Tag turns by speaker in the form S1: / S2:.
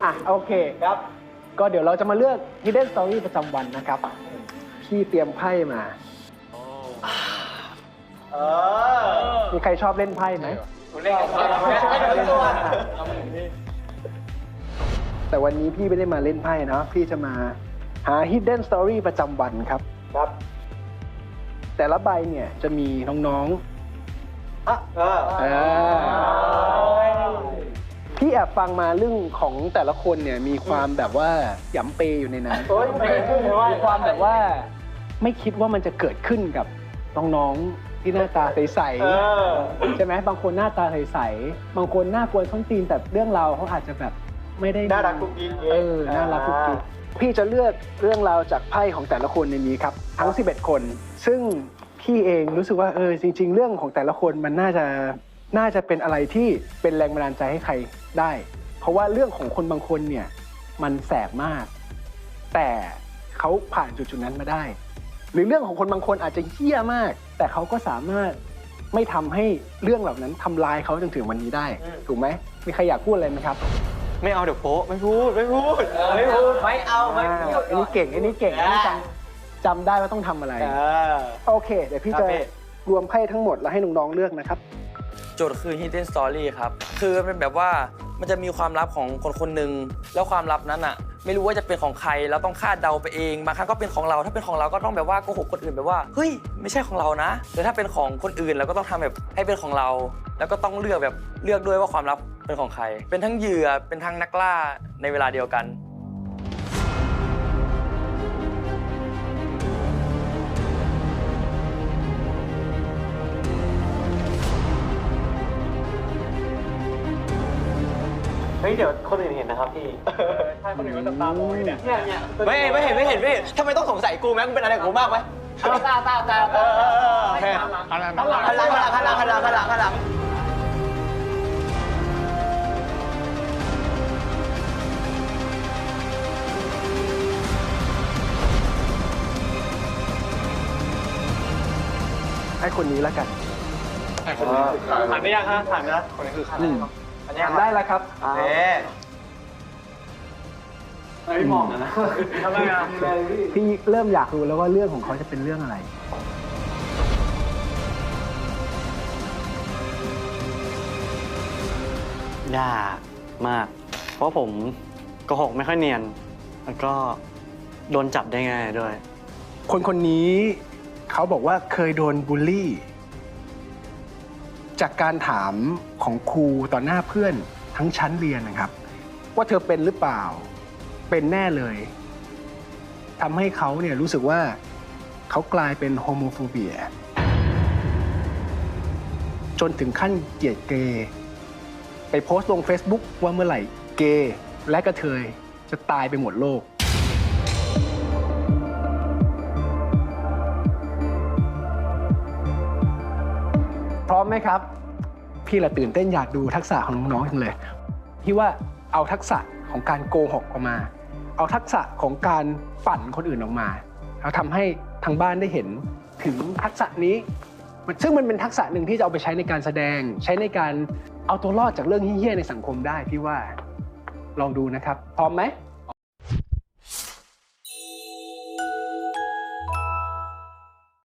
S1: โอเคครับก็เดี๋ยวเราจะมาเลือก Hidden Story ประจำวันนะครับพี่เตรียมไพ่มามีใครชอบเล่นไพ่ไหมเล่นแต่วันนี้พี่ไม่ได้มาเล่นไพ่นะพี่จะมาหา Hidden Story ประจำวันครับแต่ละใบเนี่ยจะมีน้องๆพี่แอบฟังมาเรื่องของแต่ละคนเนี่ยมีความแบบว่าหยำเปยอยู่ในนั้นมีความแบบว่าไม่คิดว่ามันจะเกิดขึ้นกับน้องๆที่หน้าตาใสๆใช่ไหมบางคนหน้าตาใสๆบางคนหน้ากวนส้นตีนแต่เรื่องราวเขาอาจจะแบบไม่ได้น่ารักกุ๊กกิ๊กน่ารักกุ๊กกิ๊กพี่จะเลือกเรื่องราวจากไพ่ของแต่ละคนในนี้ครับทั้ง11คนซึ่งพี่เองรู้สึกว่าจริงๆเรื่องของแต่ละคนมันน่าจะเป็นอะไรที่เป็นแรงบันดาลใจให้ใครได้เพราะว่าเรื่องของคนบางคนเนี่ยมันแสบมากแต่เขาผ่านจุดๆนั้นมาได้หรือเรื่องของคนบางคนอาจจะเหี้ยมากแต่เขาก็สามารถไม่ทำให้เรื่องเหล่านั้นทำลายเขาจนถึงวันนี้ได้ถูกไหมมีใครอยากพูดอะไรไหมครับ
S2: ไม่เอาเดี๋ยวโป๊ะไม่พูด
S1: ไม่เอาอันนี้เก่งอันนี้จำได้ว่าต้องทำอะไรโอเคเดี๋ยวพี่จะรวมไพ่ทั้งหมดแล้วให้น้องๆเลือกนะครับ
S3: โจทย์คือ Hidden Story ครับคือเป็นแบบว่ามันจะมีความลับของคนคนหนึ่งแล้วความลับนั้นอ่ะไม่รู้ว่าจะเป็นของใครเราต้องคาดเดาไปเองบางครั้งก็เป็นของเราถ้าเป็นของเราก็ต้องแบบว่าโกหกคนอื่นแบบว่าเฮ้ยไม่ใช่ของเรานะแต่ถ้าเป็นของคนอื่นเราก็ต้องทำแบบให้เป็นของเราแล้วก็ต้องเลือกด้วยว่าความลับเป็นของใครเป็นทั้งเหยื่อเป็นทั้งนักล่าในเวลาเดียวกัน
S2: เฮ้ยเดี๋ยวคนอื่นเห็นนะครับพี่ใช่คนอื่นก็จะตามองเนี่ยไม่เห็นทำไมต้องสงสัยกูแม่งเป็นอะไรกับกูมากไหมตาหันหลัง
S1: ให้คนนี้แล้วกัน
S2: ผ่านไม่ยังฮะผ่านนะคนนี้คือใคร
S1: ทำได้แล้วครับ
S2: ไม่มองนะทำไมอ่ะ
S1: พี่เริ่มอยากรู้แล้วว่าเรื่องของเขาจะเป็นเรื่องอะไร
S2: ยากมากเพราะผมโกหกไม่ค่อยเนียนแล้วก็โดนจับได้ง่ายด้วย
S1: คนนี้เขาบอกว่าเคยโดนบูลลี่จากการถามของครูต่อหน้าเพื่อนทั้งชั้นเรียนนะครับว่าเธอเป็นหรือเปล่าเป็นแน่เลยทำให้เขาเนี่ยรู้สึกว่าเขากลายเป็นโฮโมโฟเบียจนถึงขั้นเกลียดเกย์ไปโพสต์ลง Facebook ว่าเมื่อไหร่เกย์และกระเทยจะตายไปหมดโลกพร้อมไหมครับพี่ละตื่นเต้นอยากดูทักษะของน้องๆจังเลยพี่ว่าเอาทักษะของการโกหกออกมาเอาทักษะของการปั่นคนอื่นออกมาแล้วทำให้ทางบ้านได้เห็นถึงทักษะนี้ซึ่งมันเป็นทักษะหนึ่งที่จะเอาไปใช้ในการแสดงใช้ในการเอาตัวรอดจากเรื่องเหี้ยๆในสังคมได้พี่ว่าลองดูนะครับพร้อมไหม